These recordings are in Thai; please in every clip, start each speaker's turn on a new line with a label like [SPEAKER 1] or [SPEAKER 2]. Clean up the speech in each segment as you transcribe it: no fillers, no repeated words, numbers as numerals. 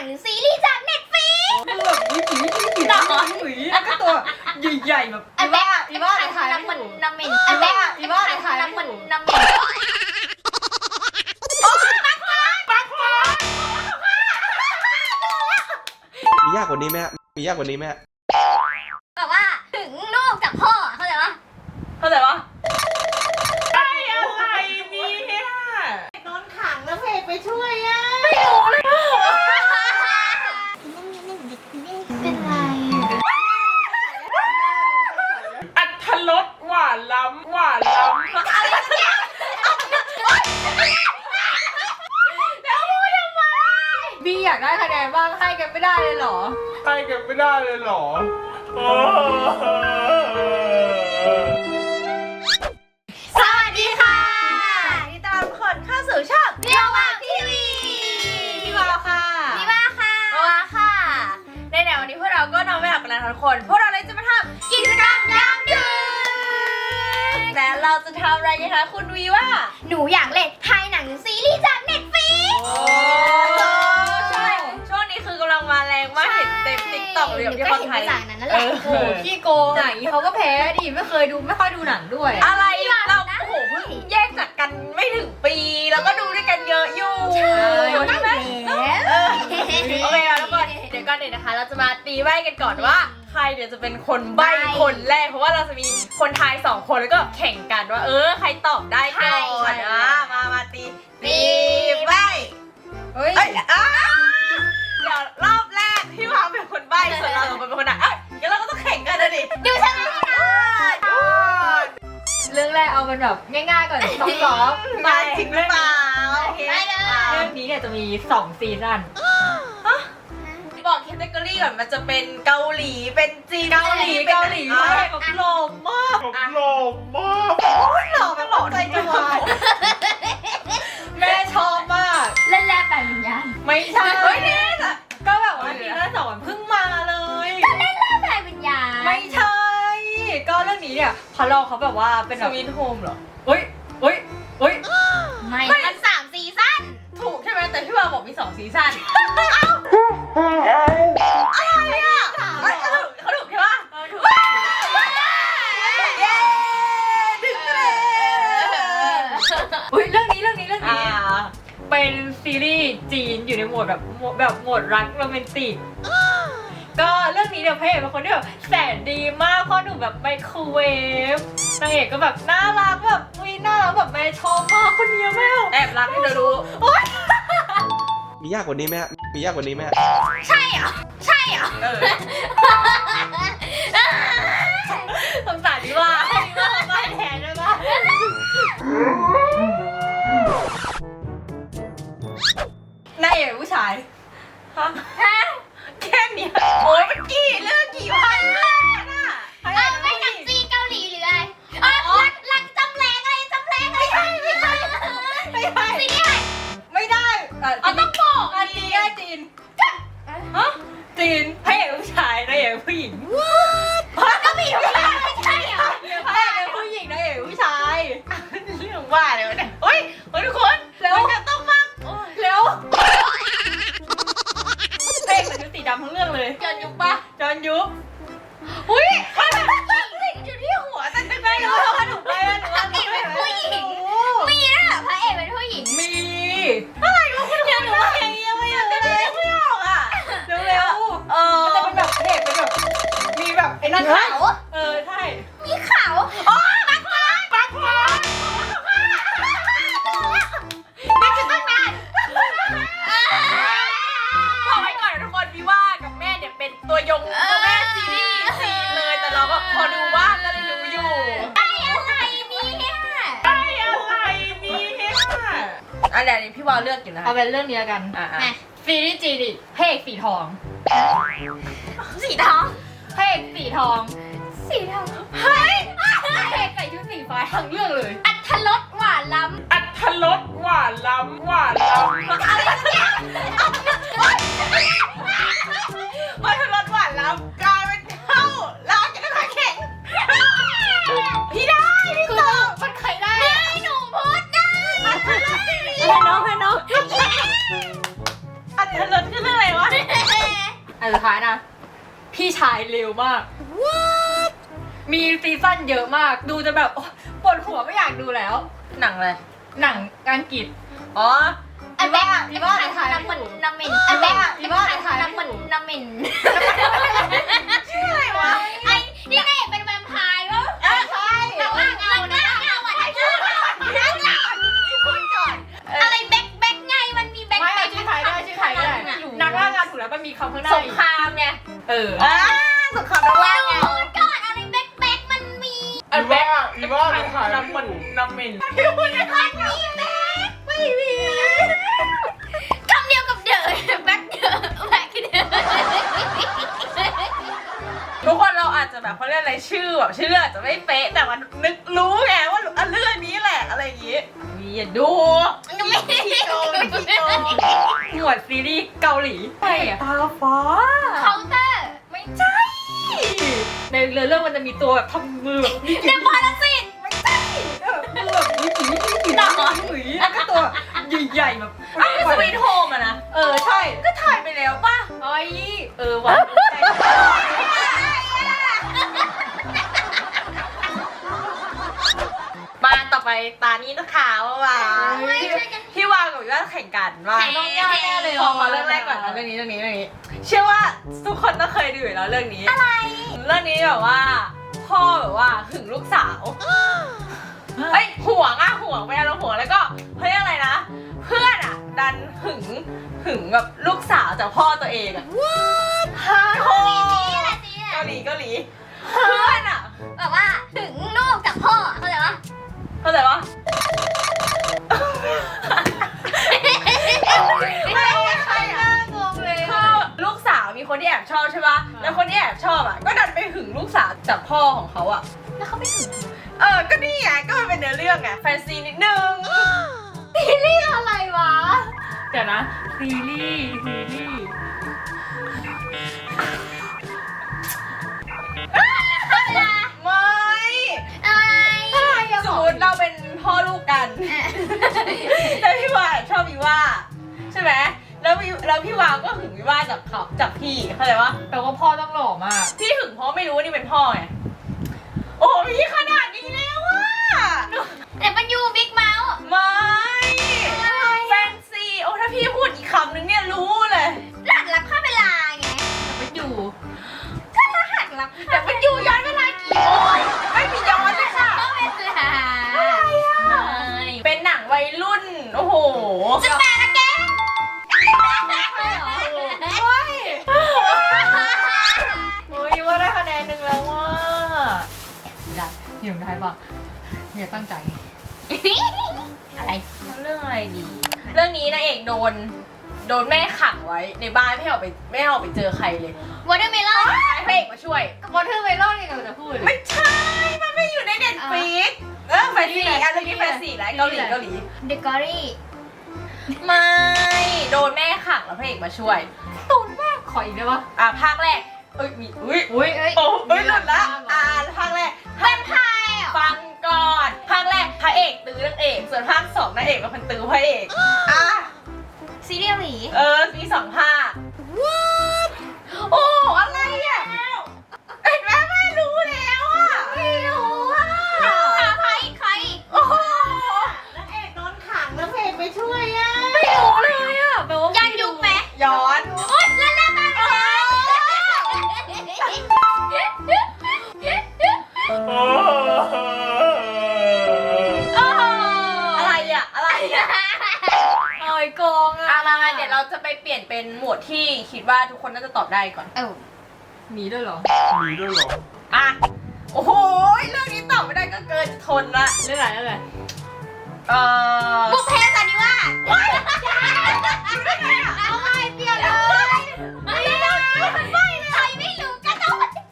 [SPEAKER 1] ซีรีส์จากเน็ตฟลิกซ์
[SPEAKER 2] แบบวิถีแล้วก็ตัวใหญ่ๆแบบอีบ้าถ่ายไม่ถูก
[SPEAKER 1] น้ำเหม็น
[SPEAKER 2] อีบ้าถ่ายไม่ถูก
[SPEAKER 1] น้ำเหม็น
[SPEAKER 3] มียากกว่านี้ไหมฮะมียากกว่านี้ไหมฮะ
[SPEAKER 1] แบบว่าถึงลูกจากพ่อเข้าใจปะ
[SPEAKER 2] ไอ้อะไรเนี่ยนอนขังแล้วเพจไปช่วยอ่ะ
[SPEAKER 1] ไม่รู้เลยเป็นไร
[SPEAKER 2] อัตรสหวานล้ำบีอยากได้คะแนนบ้างให้กันไม่ได้เลยเหรอ
[SPEAKER 1] สวัสดีค่ะนี่ตอนทุกคนเข้าสู่ช่องเรียวว่าทีวี
[SPEAKER 2] พี่วาวค่ะ
[SPEAKER 1] พี่ว่าค่ะว่าค่ะในวันนี้พวกเราก็นอนไม่หลับกันแล้วทุกคนพวกเราเลยจะมาทำกิจกรรมยามดึกแต่เราจะทำอะไรกันคะคุณวีว่าหนูอยากเล่นไทยหนังซีรีส์จากเน็ตฟลิกซ์
[SPEAKER 2] ใช่ช่วงนี้คือกำลังมาแรงมากเห็นเต็มติ๊กต็อกเลยที่คนไทย
[SPEAKER 1] นั่นแหละ
[SPEAKER 2] โอ้ขี้โกงอ่ะเขาก็แพ้ดิไม่ค่อยดูหนังด้วยอะไรเราโอ้โหเพิ่งแยกจากกันไม่ถึงปีแล้วก็ดูด้วยกันเยอะอยู่
[SPEAKER 1] ใช่ไหม
[SPEAKER 2] โอเคแล้วทุกคนเดี๋ยวก่อนนะคะ เราจะมาตีใบ้กันก่อนว่าใครเดี๋ยวจะเป็นคนใบ้คนแรกเพราะว่าเราจะมีคนทาย2คนแล้วก็แข่งกันว่าใครตอบได้ก่อนมาตีใบ้เฮ้ยเดี๋ยวรอบแรกพี่วางเป็นคนใบ้ส่วนเราเป็นคนอ่ะงั้นเราก็ต้องแข่งกันนะดิ
[SPEAKER 1] ดูชนะ
[SPEAKER 2] เรื่องแรกเอาเป็นแบบง่ายๆก่อนซ้อมมาจริงหรือเปล่า
[SPEAKER 1] ไม่เลย
[SPEAKER 2] เรื่องนี้เนี่ยจะมี2ซีซั่นบอกแคตตากรีก่อนมันจะเป็นเกาหลีเป็นจีนเกาหลีใช่แบบหล่อมากโอ้ยหล่อใจจะวายแม่ชอบมาก
[SPEAKER 1] เล่นแรกแต่วิญญาณ
[SPEAKER 2] ไม่ใช่นี่ก็แบบว่าซีซั่น2เพิ่งมาเลย
[SPEAKER 1] ก็เล่นแรกแต่วิญญาณ
[SPEAKER 2] ไม่ใช่ก็เรื่องนี้เนี่ยพอลองเขาแบบว่าเป็นแบบสวีทโฮมเหรอ
[SPEAKER 1] ไม่มัน3ซีซั่น
[SPEAKER 2] ถูกใช่ไหมแต่พี่วาบอกมี2ซีซั่นอะไรอ่ะเขาถูกใช่ปะถูกเย้ถึงเลยเรื่องนี้เป็นซีรีส์จีนอยู่ในโหมดแบบโหมดรักโรแมนติกก็เรื่องนี้เดี๋ยวพระเอกเป็นคนที่แบบแสนดีมากพ่อหนุ่มแบบไมโครเวฟนางเอกก็แบบน่ารักแบบน่ารักแบบแม่ชอบมากคนนี้แม่แอบรักให้เธอรู้
[SPEAKER 3] มียากกว่านี้ไหมฮะมียากกว่านี้ไหมฮะ
[SPEAKER 1] ใช่เหรอ
[SPEAKER 2] สงสารดีว่าบ้านแทนได้ปะนายเอกผู้ชายแค่เนี้ยโอ้ยมันเรื่องกี่พันน่ะ
[SPEAKER 1] ไม่หนังจีนเกาหลีหรืออะไรรักจำแรงอะไรไม่ใช่ซีรีส์อะไร
[SPEAKER 2] ไม่ได้
[SPEAKER 1] ต้องบอก
[SPEAKER 2] จีนจีนพระเอกผู้ชายนายเอกผู้หญิง
[SPEAKER 1] ก็มีผู้ชายไม่ใช่เหรอ
[SPEAKER 2] พระเอกผู้หญิงนายเอกผู้ชายเรื่องว่าเลยวะเนี่ยทุกคนแล้วจะต้องมากแล้วเพลงมันสีดำทั้งเรื่องเลยจอนยุบอุ้ยติดอยู่ที่หัวแต่ไม่รู้ว่าหนูไปว่าหนู
[SPEAKER 1] เป็นผู้หญิงมีนะพระเอกเป็นผู้หญิง
[SPEAKER 2] มีอะไรวะคุณหนูว่าอย่างนี้ไม่รู้เลยไม่ออกอ่ะเร็วมันจะเป็นแบบเพจเป็นแบบมีแบบไอ้นั่น
[SPEAKER 1] เขา
[SPEAKER 2] ใช่
[SPEAKER 1] มีเขาบักฟ้าไม่คิดตั้งนาน
[SPEAKER 2] บอกไว้ก่อนทุกคนพี่ว่ากับแม่เนี่ยเป็นตัวยงตัวแม่ซีรีส์จีนเลยแต่เราก็พอดูว่าก็เลยรู้อยู่
[SPEAKER 1] อะไรเนี่ย
[SPEAKER 2] อะไรนี่พี่วาวเลือกอยู่นะเอาเป็นเรื่องนี้กันซีรีส์จีนเพกสีทอง
[SPEAKER 1] พระ
[SPEAKER 2] เอกสีทอง
[SPEAKER 1] เฮ้ย
[SPEAKER 2] เพกใส่ชุดสีฟ้าทั้งเรื่องเลย
[SPEAKER 1] อัตรสหวานล้ำ
[SPEAKER 2] อะไรเนี่ยอัตรสหวานล้ำกลายเป็นเท่าลากันมาแข่งพี่ตอบมันใครได้
[SPEAKER 1] หนูพูดได้
[SPEAKER 2] ให้น้องอัตรสคือเรื่องอะไรวะอันสุดท้ายนะ พี่ชายเร็วมาก มีซีซั่นเยอะมาก ดูจะแบบโอ๊ยปวดหัวไม่อยากดูแล้ว
[SPEAKER 1] หนังเลย
[SPEAKER 2] หนังอังกฤษ
[SPEAKER 1] อ๋อ
[SPEAKER 2] อีว่าถ่าย
[SPEAKER 1] น้ำมันน้ำมิน
[SPEAKER 2] อีว่าถ่าย
[SPEAKER 1] น้ำมันน้ำมิน
[SPEAKER 2] ชื่ออะไรวะ
[SPEAKER 1] ไอ้นี่ไงเป็นแวมไพร์วะ
[SPEAKER 2] ใช่
[SPEAKER 1] นักล่าเงานักล่าเงาอ่ะนักล่าพูดก่อนอะไรแบ็คแบ็คไงมันมีแบ็ค
[SPEAKER 2] ไม่
[SPEAKER 1] แบ็ค
[SPEAKER 2] ชื่อไทยได้ชื่อไทยได้นักล่างานถูกแล้วมันมีคำข้างหน้า
[SPEAKER 1] สงครามไง
[SPEAKER 2] เออ
[SPEAKER 1] สงครามนักล่าเงาพูดก่อนอะไรแบ็คแบ็คมันมี
[SPEAKER 2] อันแบ็ค
[SPEAKER 3] อีว่าถ่าย
[SPEAKER 2] น้ำมันน้ำมิน
[SPEAKER 1] มันมีแบ็คไม่มีคำเดียวกับเดอะแบ็คเดอะแบ็คเดอะ
[SPEAKER 2] ทุกคนเราอาจจะแบบเขาเรียกอะไรชื่อแบบชื่อเรื่องอาจจะไม่เป๊ะแต่มันนึกรู้ไงว่าเรื่องนี้แหละอะไรอย่างงี้อย่าดู
[SPEAKER 1] ไม่ขี้โกงขี้โกง
[SPEAKER 2] หมวดซีรีส์เกาหลีใช่อะตาฟ้า
[SPEAKER 1] เคาน์เตอร์
[SPEAKER 2] ไม่ใช่ในเรื่องมันจะมีตัวแบบทำมือแบบนี่
[SPEAKER 1] เดอะพาราซิต
[SPEAKER 2] ไม่ใช่มือแบบนี่แล้วก็ตัวใหญ่ๆแบบ
[SPEAKER 1] อ้าวสวีทโฮมอะนะ
[SPEAKER 2] ใช่
[SPEAKER 1] ก็ถ่ายไปแล้วป่ะ
[SPEAKER 2] เอ้ยว่ะมาต่อไปตานี้นะคะว่าพี่วางกับพี่ว่าแข่งกันว่า
[SPEAKER 1] ต้องยากแน่เลย
[SPEAKER 2] ขอเรื่องแรกก่อนนะเรื่องนี้เชื่อว่าทุกคนต้องเคยดูอยู่แล้วเรื่องนี้อะไรเรื่องนี้แบบว่าพ่อแบบว่าหึงลูกสาวเฮ้ยห่วงไปอารมณ์ห่วงแล้วก็เฮ้ยอะไรนะ เพื่อนอ่ะดันหึงแบบลูกสาวจากพ่อตัวเองอ่ะฮาโฮเกาหลีเพื่อนอ่ะ
[SPEAKER 1] แบบว่าถึงลูกจากพ่อเข้าใจปะ
[SPEAKER 2] เข้าใจปะไม่ใช่อะงงเลยคือลูกสาวมีคนที่แอบชอบใช่ปะแล้วคนที่แอบชอบอ่ะก็ดันไปหึงลูกสาวจากพ่อของเขาอ่ะ
[SPEAKER 1] แล้วเขาไม่ถึง
[SPEAKER 2] ก็นี่ไงก็มันเป็นเนื้อเรื่องไงแฟนซีนิดนึง
[SPEAKER 1] ซีรีส์อะไรวะ
[SPEAKER 2] เดี๋ยวนะซีรีส์ ไม่
[SPEAKER 1] อะไร
[SPEAKER 2] สมมติเราเป็นพ่อลูกกันแล้วพี่วาชอบพี่ว่าใช่ไหมแล้วพี่วาก็หึงพี่ว่าจากพี่เข้าใจปะ
[SPEAKER 4] แต่ว่าพ่อต้องหล่อมาก
[SPEAKER 2] พี่หึงเพราะไม่รู้ว่านี่เป็นพ่อไงโอ้พี่ขนาดนี้แล้วอะ
[SPEAKER 1] แต่มันยูบิ๊กเมาส์
[SPEAKER 2] ไม่แฟนซีโอ้ถ้าพี่พูดอีกคำนึงเนี่ยรู้เลย
[SPEAKER 1] รหัสลับข้ามเวลาไง
[SPEAKER 4] ไม่อยู่
[SPEAKER 1] ก็รหัสลับ
[SPEAKER 2] แต่มันอยู่ย้อนเวลากี่โอ้ยไม่มีย้อนเลยค่ะ
[SPEAKER 1] ข้ามเวลา
[SPEAKER 2] เป็นหนังวัยรุ่นโอ้โห
[SPEAKER 1] จะแปลนะแก
[SPEAKER 4] โอ้ยว่าได้คะแนนหนึ่งแล้วว่าได้หิวได้ปะอย่าตั้งใจ
[SPEAKER 1] อะไร
[SPEAKER 2] เรื่องอะไรดี เรื่องนี้นางเอกโดนแม่ขังไว้ในบ้านไม่ให้ออกไปเจอใครเลย
[SPEAKER 1] วอเตอร์เมลอน
[SPEAKER 2] พระเอกมาช่วย
[SPEAKER 4] วอเทอร์เมลอนนี่เราจะพูด
[SPEAKER 2] ไม่ใช่ มันไม่อยู่ในเน็ตฟลิกแฟนซีอันนี้แฟนซีแล้วเกาหลี
[SPEAKER 1] เดอะกอรี่
[SPEAKER 2] ไม่โดนแม่ขังแล้วพระเอกมาช่วย
[SPEAKER 4] ตูนมากขออีกได้ปะ
[SPEAKER 2] ภาคแรกเอ้ยมีอุ้ย
[SPEAKER 4] อุ้ย
[SPEAKER 2] โอ้ยหลุดละภาคแรก
[SPEAKER 1] แวมไพร์เหรอ
[SPEAKER 2] ฟังก่อนภาคแรกพระเอกตื้อนางเอกส่วนภาค2นางเอกเป็นคนตื้อพระเอก
[SPEAKER 1] ซีเรียลหลี
[SPEAKER 2] มี2 ภาคโอ้อะไรอ่ะเห็นไหมไม่รู้แล้วอ่ะ
[SPEAKER 1] ไม่รู้อ่ะใคร
[SPEAKER 2] โอ้โห
[SPEAKER 3] นางเอกโดนขังแล้วเพลงไปช่วยอ่ะ
[SPEAKER 4] ไม่รู้เลยอ่ะแปลว่า
[SPEAKER 1] ยันยุคไหม
[SPEAKER 2] ย้อน
[SPEAKER 1] โอ๊ยแล้วมา
[SPEAKER 2] อะไรอ่ะ
[SPEAKER 4] โอ้ยโกงอ่ะ
[SPEAKER 2] มาเดี๋ยวเราจะไปเปลี่ยนเป็นหมวดที่คิดว่าทุกคนน่าจะตอบได้ก่อน
[SPEAKER 4] มีด้วยเหรอ
[SPEAKER 3] มีด้วยเหรอ
[SPEAKER 2] โอ้โหเรื่องนี้ตอบไม่ได้ก็เกินจะทนละ
[SPEAKER 4] เรื่องอะไร
[SPEAKER 1] บุพเพสันนิวาสเอาไงเปลี่ยนเลยไม่ได้ใครไม่รู้ก็ต้อง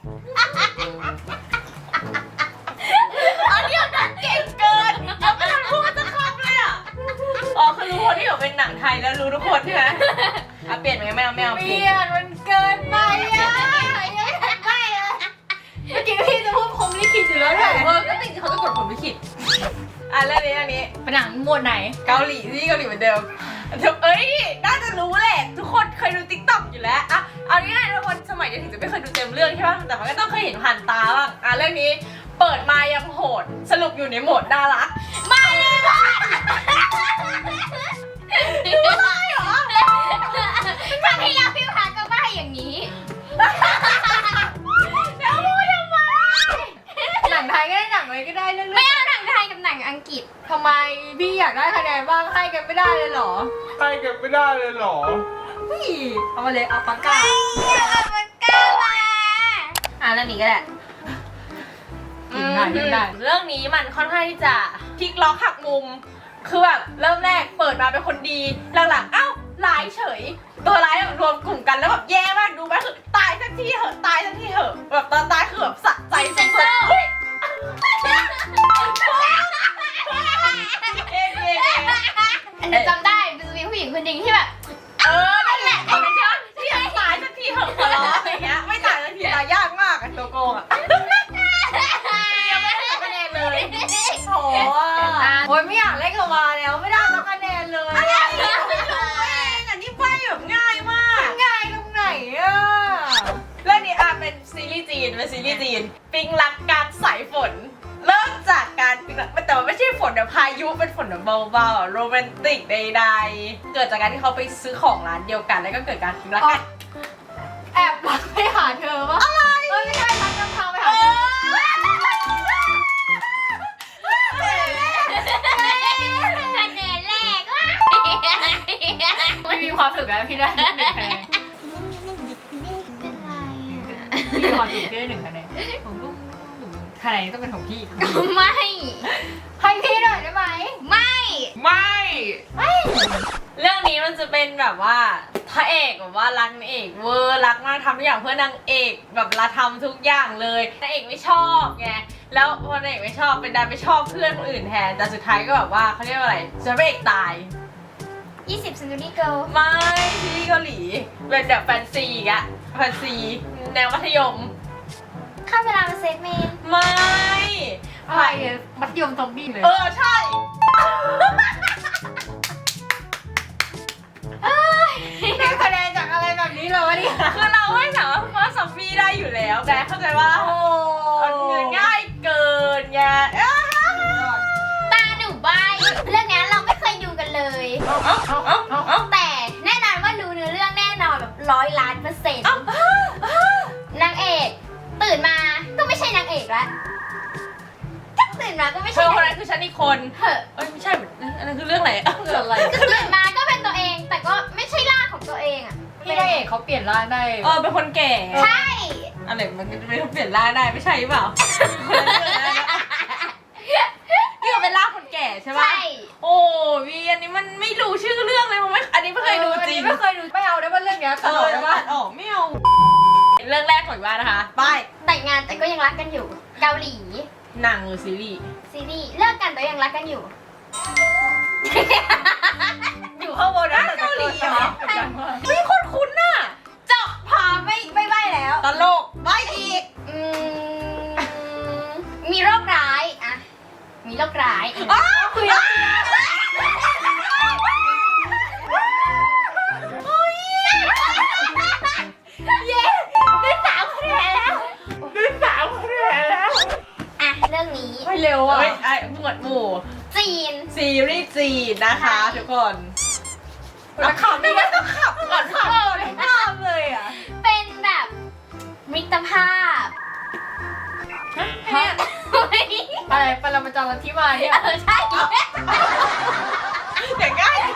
[SPEAKER 1] อันนี้ดันเก่งเกิน
[SPEAKER 2] ยังไม่ทันพูดจะคำเลยอ่ะคือรู้คนที่แบบเป็นหนังไทยแล้วรู้ทุกคนใช่ไหมเปลี่ยนไหมไม่เอา
[SPEAKER 4] เปลี่ยนมันเกินไปอ่ะเมื่อกี้พี่จะพูดพรหมลิขิตอยู่แล้วเนี่ย
[SPEAKER 2] ก็จริงๆเขาจะกดผลลิขิตเรื่องนี้
[SPEAKER 4] เป็นหนังหมวดไหน
[SPEAKER 2] เกาหลีเหมือนเดิมเอ้ยน่าจะรู้แหละทุกคนเคยดูติ๊กต็อกอยู่แล้วเอาง่ายๆทุกคนน่ารัก
[SPEAKER 1] มาเลยบ้านดูได้เหรอครั้งที่แล้วพี่พาก็ใบ้อย่างนี้ แล้วพูดทำไม
[SPEAKER 4] หนังไทยก็ได้หนังอะไรก็ได้เรื่อง
[SPEAKER 1] ไม่เอาหนังไทยกับหนังอังกฤษ
[SPEAKER 4] ทำไมพี่อยากได้คะแนนบ้างให้กันไม่ได้เลยเหรอ
[SPEAKER 3] ใครกันไม่ได้เลยเหรอ
[SPEAKER 4] พี่เอามาเลยเอาปากกา
[SPEAKER 1] เอาปากกามา
[SPEAKER 2] เรื่องนี้ก็ได้
[SPEAKER 4] กินได้กินได้
[SPEAKER 2] เรื่องนี้มันค่อนข้างที่จะพลิกล็อกหักมุม คือแบบเริ่มแรกเปิดมาเป็นคนดีหลังๆเอ้าร้ายเฉย ตัวร้ายแบบรวมกลุ่มกันแล้วแบบแย่มากดูไหมคือตายสักทีเหอะตายสักทีเหอะแบบตอนตายคือแบบสะใจสุดๆเฮ้ยเอง
[SPEAKER 1] อันนี้จำได้มันจะมีผู้หญิงคนหนึ่งที่แบบ
[SPEAKER 2] นั่นแหละคนนั้นใช่ไหมที่แบบตายสักทีเหอะขอร้องอะไรเงี้ยไม่ตายสักทีตายยากมากอะตัวโกงอะยังไม่ได้คะแนนเลย
[SPEAKER 4] โอ้โอ้ยไม่อยากเล่นกับวาแล้วไม่ได้สักคะแนนเลย
[SPEAKER 2] ไม่รู้เองอันนี้ใบแบบง่ายมาก
[SPEAKER 4] ง่ายตรงไหนอ่ะ
[SPEAKER 2] เรื่องนี้เป็นซีรีส์จีนปิงรักการสายฝน เริ่มจากการปิงรักแต่ว่าไม่ใช่ฝนแบบพายุเป็นฝนแบบเบาๆโรแมนติกใดๆเกิดจากการที่เขาไปซื้อของร้านเดียวกันแล้วก็เกิดการปิงรักกัน
[SPEAKER 4] แอบรักไปหาเธอวะอะไรไม่ใช่รักนำทางไปหาเธอ
[SPEAKER 1] คะแนนแรกว่ะ
[SPEAKER 4] ไม่มีความสุขแล้วพี่ได้1 คะแนน
[SPEAKER 1] เป็นไร
[SPEAKER 4] พี่มีความสุขที่ได้1 คะแนนของลูกคะแนนต้องเป็นของพี่
[SPEAKER 1] ไม่
[SPEAKER 4] ให้พี่หน่อยได้ไหม
[SPEAKER 1] ไม่
[SPEAKER 3] ไม่
[SPEAKER 2] เรื่องนี้มันจะเป็นแบบว่าพระเอกแบบว่ารักนางเอกเวอร์รักมากทำทุกอย่างเพื่อนางเอกแบบละทำทุกอย่างเลยนางเอกไม่ชอบไงแล้วพอนางเอกไม่ชอบเป็นดันไปชอบเพื่อนคนอื่นแทนแต่สุดท้ายก็แบบว่าเขาเรียกว่าอะไรจะพระเอกตาย
[SPEAKER 1] 20 Century Girl
[SPEAKER 2] ไม่ที่เกาหลีเป็นแบบแฟนซีอีกอะแฟนซีแนวมัธยม
[SPEAKER 1] ข้ามเวลามาเซฟเมน
[SPEAKER 2] ไม่
[SPEAKER 4] อะไรอะมัธยมซอมบี้เลย
[SPEAKER 2] ใช่
[SPEAKER 4] ได้คะแนนจากอะไรแบบนี้เลยวะเนี่ย
[SPEAKER 2] คือเราไม่สามารถว่าซอมบี้ได้อยู่แล้วแต่เข้าใจว่า
[SPEAKER 4] โอ้
[SPEAKER 2] ง่ายเกินไง
[SPEAKER 1] ตาหนูใบเรื่องนี้เราไม่เคยดูกันเลย
[SPEAKER 2] เอา
[SPEAKER 1] แต่แน่นอนว่าดูเนื้อเรื่องแน่นอนแบบ100,000,000%นางเอกตื่นมาก็ไม่ใช่นางเอกแล้วก็ตื่นมาก็ไม่
[SPEAKER 2] เธ
[SPEAKER 1] ใช่
[SPEAKER 2] อคน
[SPEAKER 1] นางเอ
[SPEAKER 2] นั้
[SPEAKER 1] ก
[SPEAKER 2] นคือฉันอีกคน
[SPEAKER 1] เหอะ
[SPEAKER 2] ไม่ใช่อันนั้นคือเรื่องไหน
[SPEAKER 4] คืออะไร
[SPEAKER 1] ก็ตื่นมาก็เป็นตัวเอง แต่ก็ไม่ใช่ร่างของตัวเองอ่ะ
[SPEAKER 4] พี่ได้เอกเขาเปลี่ยนร่างได้
[SPEAKER 2] เป็นคนแก่
[SPEAKER 1] ใช่
[SPEAKER 2] อะไรมันจะไม่เปลี่ยนร่างได้ไม่ใช่หรือเปล่านี่ก็เป็นร่างคนแก่ใช่ไหม
[SPEAKER 1] ใช่
[SPEAKER 2] โอ้วีอันนี้มันไม่รู้ชื่อเรื่องเลยมันไม่อันนี้ไม่เคยดูจริง
[SPEAKER 4] ไม่เคยดูไม่เอาได้ว่าเรื่องเนี้ยตลกได้ว่า
[SPEAKER 2] ออกไม่เอาเรื่องแรกของว่านะคะไป
[SPEAKER 1] แต่งงานแต่ก็ยังรักกันอยู่ เกาหลี
[SPEAKER 2] หนังหรือซีรีส์
[SPEAKER 1] ซีรีส์เลิกกันแต่ยังรักกันอยู่
[SPEAKER 4] อยู่ข้างบนนะแต่
[SPEAKER 2] เกาหลีเหรอ
[SPEAKER 4] ใช่
[SPEAKER 2] เฮ้ยคนคุ้นน่ะ
[SPEAKER 1] จบพอไม่ใบแล้ว
[SPEAKER 2] ตลกไม่อีก
[SPEAKER 1] มีโรคร้ายอะมีโรคร้าย
[SPEAKER 2] คุยแล้ว
[SPEAKER 1] เย้ได้3 คะแนนแล้ว
[SPEAKER 3] ได้3 คะแนนแล้ว
[SPEAKER 1] อ่ะเรื่องนี้
[SPEAKER 4] ไม่เร็วอ่ะ
[SPEAKER 2] เฮ้ยไอ้หมวดหมู่
[SPEAKER 1] จีน
[SPEAKER 2] ซีรีส์จีนนะคะ
[SPEAKER 1] ใช่
[SPEAKER 2] ทุกคน
[SPEAKER 4] แล้วขับนี่มันต้องขับ
[SPEAKER 2] ก่อนค่ะ
[SPEAKER 4] ข้ามเลยอ่ะ
[SPEAKER 1] เป็นแบบมิตรภาพ
[SPEAKER 4] ฮะอะไรปรมาจารย์ที่มาเนี่ย
[SPEAKER 1] ใช่
[SPEAKER 2] อย่างง่าย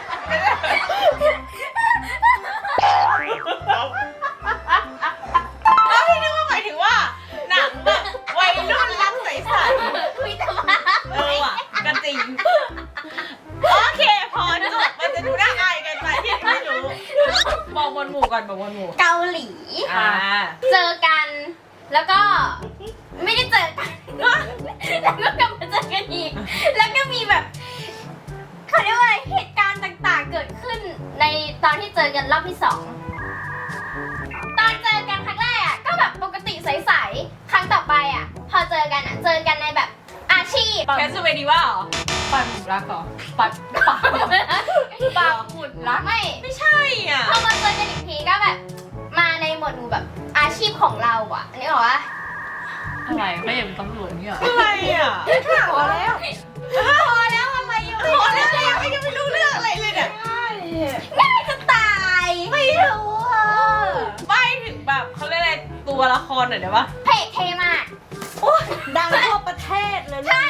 [SPEAKER 2] แล้วพี่นึกว่าหมายถึงว่าหนังแบบวัยรุ่นรักใสๆ
[SPEAKER 1] มิตรภาพ
[SPEAKER 2] ว่ะก็จริง โอเค พอจบมันจะดูน่าอายกันไปที่ไม่รู้บอกบนหมู่ก่อนบอกบนหมู่
[SPEAKER 1] เกาหลี เจอกัน แล้วก็ไม่ได้เจอกัน แล้วก็กลับมาเจอกันอีก แล้วก็มีแบบเขาเรียกว่าอะไรเหตุการณ์ต่างๆ เกิดขึ้นในตอนที่เจอกันรอบที่ 2 ตอนเจอกันครั้งแรกอ่ะก็แบบปกติใสๆ ครั้งต่อไปอ่ะ พอเจอกันอ่ะ เจอกันในแบบอาชีพ
[SPEAKER 2] แคสเวดีว่าเหรอ
[SPEAKER 4] ปันหมุดรักเหรอปันปันปันหมุดรัก
[SPEAKER 1] ไม่
[SPEAKER 2] ไม่ใช่อ่ะ
[SPEAKER 1] พอมาเจอกันอีกทีก็แบบ มาในหมวดหมู่แบบอาชีพของเราอ่ะอันนี้บอกว่า
[SPEAKER 4] อะไรเขาอย่างเป็นตำรวจเนี่ยเหรอ
[SPEAKER 2] อะไรอ่ะ
[SPEAKER 4] พอแล้ว
[SPEAKER 1] พอแล้วทำไมยังไม่
[SPEAKER 2] พอแล้วยังไม่รู้เรื่องอะไรเลยเนี่ย
[SPEAKER 1] ง่ายจะตายไม่รู้อ่ะ
[SPEAKER 2] ใบถึงแบบเขาเรียกอะไรตัวละครหน่อยได้ปะ
[SPEAKER 1] เพจเทมาก
[SPEAKER 4] ดังทั่วประเทศเลย
[SPEAKER 1] ใช่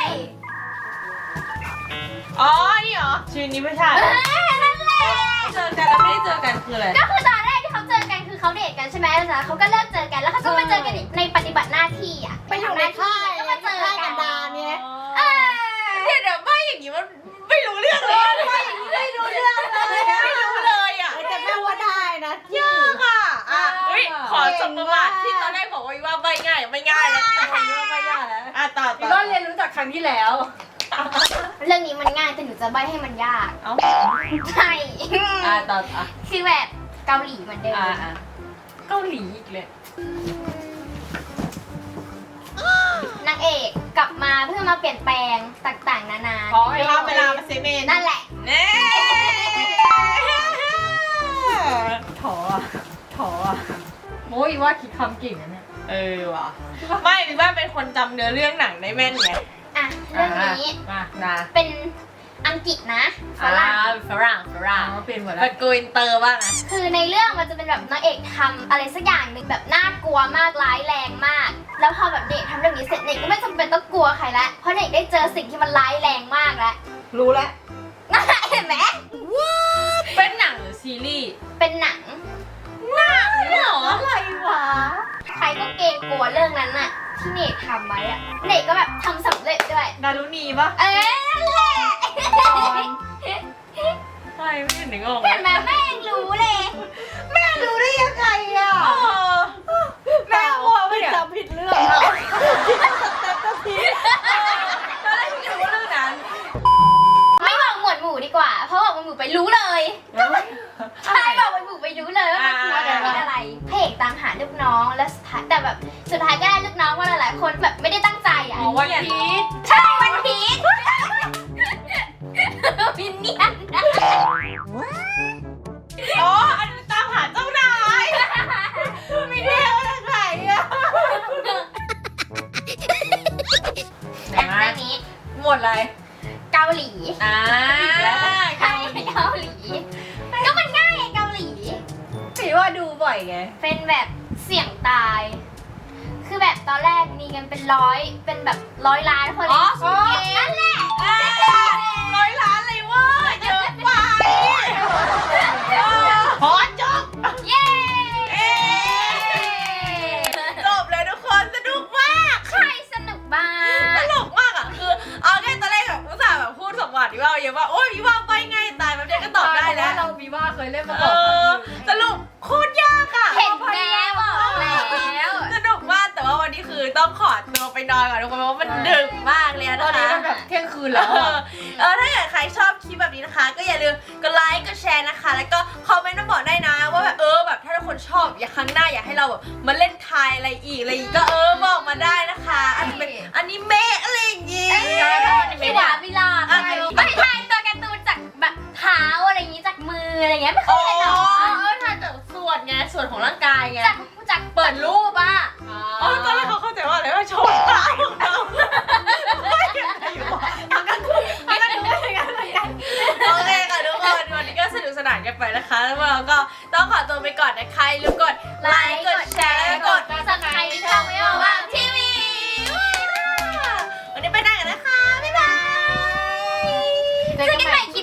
[SPEAKER 2] อ๋อนี่เหรอชื่อนี้ไม่ใช่
[SPEAKER 1] นั่นแหละ
[SPEAKER 2] เจอกันแล้วไม่ได้เจอกันคืออะไร
[SPEAKER 1] ก็คือตอนแรกที่เขาเจอกันคือเขาเดทกันใช่ไหมแล้วจากนั้นเขาก็เลิกเจอกันแล้วเขาก็มาเจอกันอีกในปฏิบัติหน้าที่อ่ะไปทำหน้าที่ก็มาเจอกัน เออ
[SPEAKER 2] เดี๋ยวใบอย่างนี้มันไม่รู้เรื่องเลย
[SPEAKER 1] ไม่รู้เรื่องเลย
[SPEAKER 2] ไม่รู้เลยอ่ะ
[SPEAKER 4] แต่แม่ว่าได้นะ
[SPEAKER 2] ยากอ่ะเฮ้ยขอสมประวัติที่ตอนแรกบอกว่าใบง่ายไม่ง่ายแล้วแต่พอว่าใบยากแล้วต่อ
[SPEAKER 4] ก็เรียนรู้จากครั้งที่แล้ว
[SPEAKER 1] เรื่องนี้มันง่ายแต่หนูจะใบให้มันยาก
[SPEAKER 2] เอ้า
[SPEAKER 1] ใช่
[SPEAKER 2] ต่อ
[SPEAKER 1] คือแบบเกาหลีเหมือนเดิม
[SPEAKER 2] เกาหลีอีกเลย
[SPEAKER 1] นางเอกกลับมาเพื่อมาเปลี่ยนแปลงต่างๆนานา
[SPEAKER 2] เวลามาเซเมน
[SPEAKER 1] นั่นแหละ
[SPEAKER 2] เน่
[SPEAKER 4] ถอโอ้ยว่าคิดคำเก่งนะเนี่ย
[SPEAKER 2] ว่ะไม่หรือว่าเป็นคนจำเนื้อเรื่องหนังได้แม่นไง
[SPEAKER 1] อ่ะเรื่องนี้
[SPEAKER 4] มา
[SPEAKER 2] นะ
[SPEAKER 1] เป็นอังกฤษนะฝรั่ง
[SPEAKER 2] ฝรั่ง
[SPEAKER 4] เปลี่ยนหมด
[SPEAKER 2] แบ
[SPEAKER 4] แล้ว
[SPEAKER 2] บโกอินเตอร์บ้างนะ
[SPEAKER 1] คือในเรื่องมันจะเป็นแบบนางเอกทำอะไรสักอย่างหนึ่งแบบน่ากลัวมากร้ายแรงมาก แล้วพอแบบเด็กทำเรื่องนี้เสร็จเด็กก็ไม่จำเป็นต้องกลัวใครละเพราะเด็กได้เจอสิ่งที่มันร้ายแรงมากแล้ว
[SPEAKER 4] รู้แล้ว
[SPEAKER 1] นั่นแหละเห็นไหม
[SPEAKER 2] เป็นหนังหรือซีรีส์
[SPEAKER 1] เป็นหนัง
[SPEAKER 2] เหรอ
[SPEAKER 4] อะไรวะ
[SPEAKER 1] ใครก็เกรงกลัวเรื่องนั้นน่ะที่เนกทำไว้อะเนกก็แบบทำสำเร็จด้วย
[SPEAKER 2] ดารุณีปะ
[SPEAKER 1] เอ้ยนั่นแหละ
[SPEAKER 2] ใช่ไม่เห็นนึกออก
[SPEAKER 1] เห็นไหมแม่ยังรู้เลย
[SPEAKER 4] รู้ได้ยังไงอ่ะ
[SPEAKER 2] แม่กลัวปะเนี่ย
[SPEAKER 4] จำผิดเรื่องแต่ก็ผิด
[SPEAKER 2] ตอนแรกคิดว่าเรื่องนั้น
[SPEAKER 1] ไม่บอกหมวดหมู่ดีกว่า เพราะบอกหมวดหมู่ไปรู้เลยใช่บอกหมวดหมู่ไปรู้เลยว่ามันคืออะไรพระเอกตามหาลูกน้องแล้วสุดท้ายแต่แบบสุดท้ายก็ได้ลูกน้องว่าหลายๆคนแบบไม่ได้ตั้งใจอ่ะ
[SPEAKER 2] วันพีช
[SPEAKER 1] ใช่วันพีชวินเนียน
[SPEAKER 2] อ๋ออันตามหาเจ้านายไม่ได้ว่าทางไหนอะ
[SPEAKER 1] เรื่องนี้
[SPEAKER 2] หมดเลย
[SPEAKER 1] เกาหลี
[SPEAKER 2] ใช่
[SPEAKER 1] ใช่เกาหลี ก็มันง่ายไงเกาหลี
[SPEAKER 2] ถือว่าดูบ่อยไง
[SPEAKER 1] เป็นแบบเสี่ยงตาย คือแบบตอนแรกมีกันเป็นร้อย เป็นแบบ100 ล้านคน
[SPEAKER 2] อ๋อ
[SPEAKER 1] นั่นแหละ
[SPEAKER 2] 100 ล้านเลยเว่าเยอะไปพอจบ
[SPEAKER 1] เย้
[SPEAKER 2] จบเลยทุกคนสนุกมาก
[SPEAKER 1] ใครสนุกบ้า
[SPEAKER 2] ต
[SPEAKER 1] ง
[SPEAKER 2] ลกมากอ่ะคือเอาแค่ตอนแรกแบบอุตส่าห์แบบพูดสมบัติว่าเยอะว่าโอ๊ยวิว่าไปง่ายตายแบบเดียวก็ตอบได้แล้ว
[SPEAKER 4] เรามีว่าเคยเล่นมา
[SPEAKER 2] เอ
[SPEAKER 4] ก่อน
[SPEAKER 2] อสรุปโคตรยากอ่ะ
[SPEAKER 1] เห็นแม่บอกแล้ว
[SPEAKER 2] สนุกมากแต่ว่าวันนี้คือต้องขอตัวไปนอนก่อนทุกคนเพราะว่ามันดึกมากเลย
[SPEAKER 4] ต
[SPEAKER 2] นะ
[SPEAKER 4] อนนี้
[SPEAKER 2] คะ
[SPEAKER 4] มันแบบเที่ยงคืนแล้ว
[SPEAKER 2] ถ้าเกิดใครชอบคลิปแบบนี้นะคะ ก็อย่าลืมกดไลค์กดแชร์นะคะ แล้วก็คอมเมนต์มาบอกได้นะว่าแบบแบบถ้าทุกคนชอบอยากครั้งหน้าอยากให้เราแบบมาเล่นทายอะไรอีกก็บอกมาได้นะคะอาจจะเป็นอนิเมะอะไรอย่างงี้
[SPEAKER 1] พี่ดาวิลาไปไม่ทายตัวการ์ตูนจากแบบเท้าอะไรอย่างงี้จากมืออะไรเงี้ยไม่เค
[SPEAKER 2] อ๋
[SPEAKER 1] ยเห็นหรอ
[SPEAKER 2] ทายจากส่วนไงส่วนของร่างกายไง
[SPEAKER 1] จาก
[SPEAKER 2] เปิดรูปอ่ะตอนแรกเขาเข้าใจว่าอะไรว่าโชว์ตาของเราไม่ได้อยู่ทำกันไม่ได้ดูไม่กันเลยกันโอเคค่ะทุกคนวันนี้ก็สนุกสนานกันไปนะคะแล้วเราก็ต้องขอตัวไปก่อนนะคะอย่าลืมกดไลค์กดแชร์และกด
[SPEAKER 1] สับใครที่ช่องไม่ว่างทีวี
[SPEAKER 2] วันนี้ไปได้กันนะคะบ๊ายบาย
[SPEAKER 1] เจอกันใหม่คลิป